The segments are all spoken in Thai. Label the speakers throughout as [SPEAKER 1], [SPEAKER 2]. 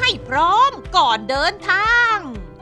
[SPEAKER 1] ให้พร้อมก่อนเดินทาง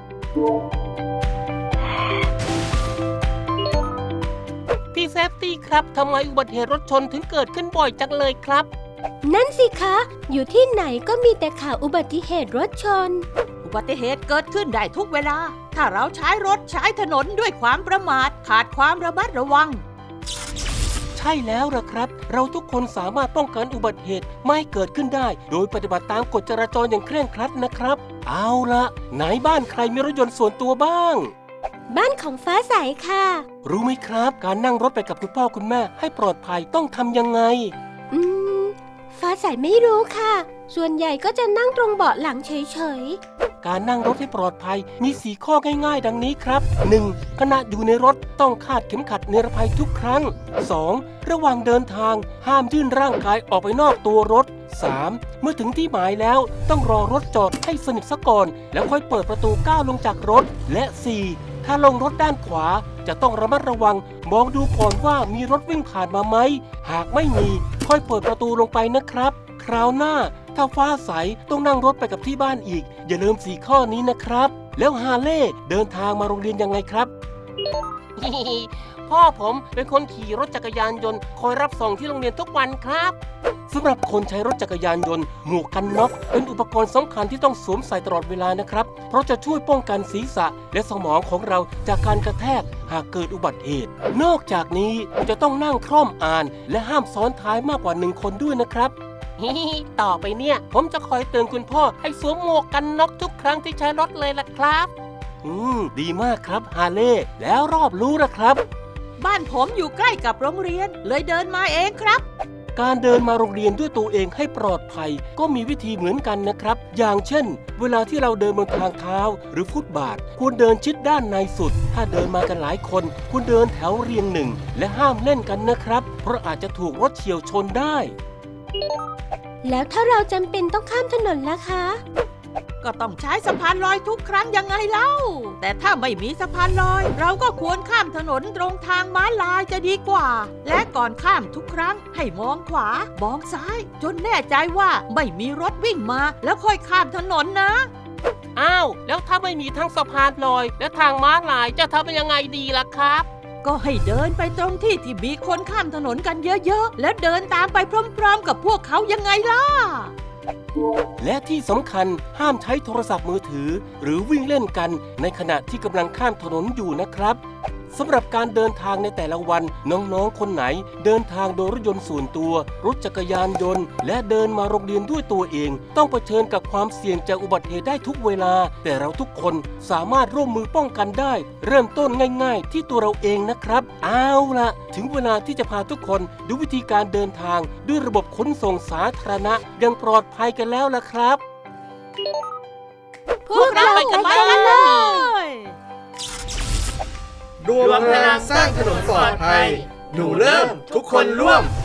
[SPEAKER 2] พี่เซฟตี้ครับทำไมอุบัติเหตุรถชนถึงเกิดขึ้นบ่อยจังเลยครับ
[SPEAKER 3] นั่นสิคะอยู่ที่ไหนก็มีแต่ข่าวอุบัติเหตุรถชน
[SPEAKER 1] อุบัติเหตุเกิดขึ้นได้ทุกเวลาถ้าเราใช้รถใช้ถนนด้วยความประมาทขาดความระมัดระวัง
[SPEAKER 2] ใช่แล้วล่ะครับเราทุกคนสามารถป้องกันอุบัติเหตุไม่ให้เกิดขึ้นได้โดยปฏิบัติตามกฎจราจรอย่างเคร่งครัดนะครับเอาละไหนบ้านใครมีรถยนต์ส่วนตัวบ้าง
[SPEAKER 3] บ้านของฟ้าใสค่ะ
[SPEAKER 2] รู้ไหมครับการนั่งรถไปกับคุณพ่อคุณแม่ให้ปลอดภัยต้องทำยังไง
[SPEAKER 3] ฟ้าใสไม่รู้ค่ะส่วนใหญ่ก็จะนั่งตรงเบาะหลังเฉย
[SPEAKER 2] ๆการนั่งรถให้ปลอดภัยมี4ข้อง่ายๆดังนี้ครับ 1. ขณะอยู่ในรถต้องคาดเข็มขัดนิรภัยทุกครั้ง 2. ระหว่างเดินทางห้ามยื่นร่างกายออกไปนอกตัวรถ 3. เมื่อถึงที่หมายแล้วต้องรอรถจอดให้สนิทซะก่อนแล้วค่อยเปิดประตูก้าวลงจากรถและ 4. ถ้าลงรถด้านขวาจะต้องระมัดระวังมองดูก่อนว่ามีรถวิ่งผ่านมาไหมหากไม่มีค่อยเปิดประตูลงไปนะครับคราวหน้าถ้าฟ้าใสต้องนั่งรถไปกับที่บ้านอีกอย่าลืม4ข้อนี้นะครับแล้วฮาเล่เดินทางมาโรงเรียนยังไงครับ พ่อผมเป็นคนขี่รถจักรยานยนต์คอยรับส่งที่โรงเรียนทุกวันครับสำหรับคนใช้รถจักรยานยนต์หมวกกันน็อกเป็นอุปกรณ์สำคัญที่ต้องสวมใส่ตลอดเวลานะครับเพราะจะช่วยป้องกันศีรษะและสมองของเราจากการกระแทกหากเกิดอุบัติเหตุนอกจากนี้จะต้องนั่งคล่อมอ่านและห้ามซ้อนท้ายมากกว่า1 คนด้วยนะครับต่อไปเนี่ยผมจะคอยเตือนคุณพ่อให้สวมหมวกกันน็อกทุกครั้งที่ใช้รถเลยล่ะครับดีมากครับฮาเล่แล้วรอบรู้นะครับ
[SPEAKER 1] บ้านผมอยู่ใกล้กับโรงเรียนเลยเดินมาเองครับ
[SPEAKER 2] การเดินมาโรงเรียนด้วยตัวเองให้ปลอดภัยก็มีวิธีเหมือนกันนะครับอย่างเช่นเวลาที่เราเดินบนทางเท้าหรือฟุตบาทควรเดินชิดด้านในสุดถ้าเดินมากันหลายคนควรเดินแถวเรียง1และห้ามเล่นกันนะครับเพราะอาจจะถูกรถเฉี่ยวชนได้
[SPEAKER 3] แล้วถ้าเราจำเป็นต้องข้ามถนนล่ะคะ
[SPEAKER 1] ก็ต้องใช้สะพานลอยทุกครั้งยังไงเล่าแต่ถ้าไม่มีสะพานลอยเราก็ควรข้ามถนนตรงทางม้าลายจะดีกว่าและก่อนข้ามทุกครั้งให้มองขวามองซ้ายจนแน่ใจว่าไม่มีรถวิ่งมาแล้วค่อยข้ามถนนนะ
[SPEAKER 2] อ้าวแล้วถ้าไม่มีทั้งสะพานลอยและทางม้าลายจะทำยังไงดีล่ะครับ
[SPEAKER 1] ก็ให้เดินไปตรงที่มีคนข้ามถนนกันเยอะๆแล้วเดินตามไปพร้อมๆกับพวกเขายังไงล่ะ
[SPEAKER 2] และที่สำคัญห้ามใช้โทรศัพท์มือถือหรือวิ่งเล่นกันในขณะที่กำลังข้ามถนนอยู่นะครับสำหรับการเดินทางในแต่ละวันน้องๆคนไหนเดินทางโดยรถยนต์ส่วนตัวรถจักรยานยนต์และเดินมาโรงเรียนด้วยตัวเองต้องเผชิญกับความเสี่ยงจากอุบัติเหตุได้ทุกเวลาแต่เราทุกคนสามารถร่วมมือป้องกันได้เริ่มต้นง่ายๆที่ตัวเราเองนะครับเอาล่ะถึงเวลาที่จะพาทุกคนดูวิธีการเดินทางด้วยระบบขนส่งสาธารณะอย่างปลอดภัยกันแล้วล่ะครับ
[SPEAKER 1] พวกเราไปกันเลย
[SPEAKER 4] รวมพลังสร้างถนนปลอดภัยหนูเริ่มทุกคนร่วม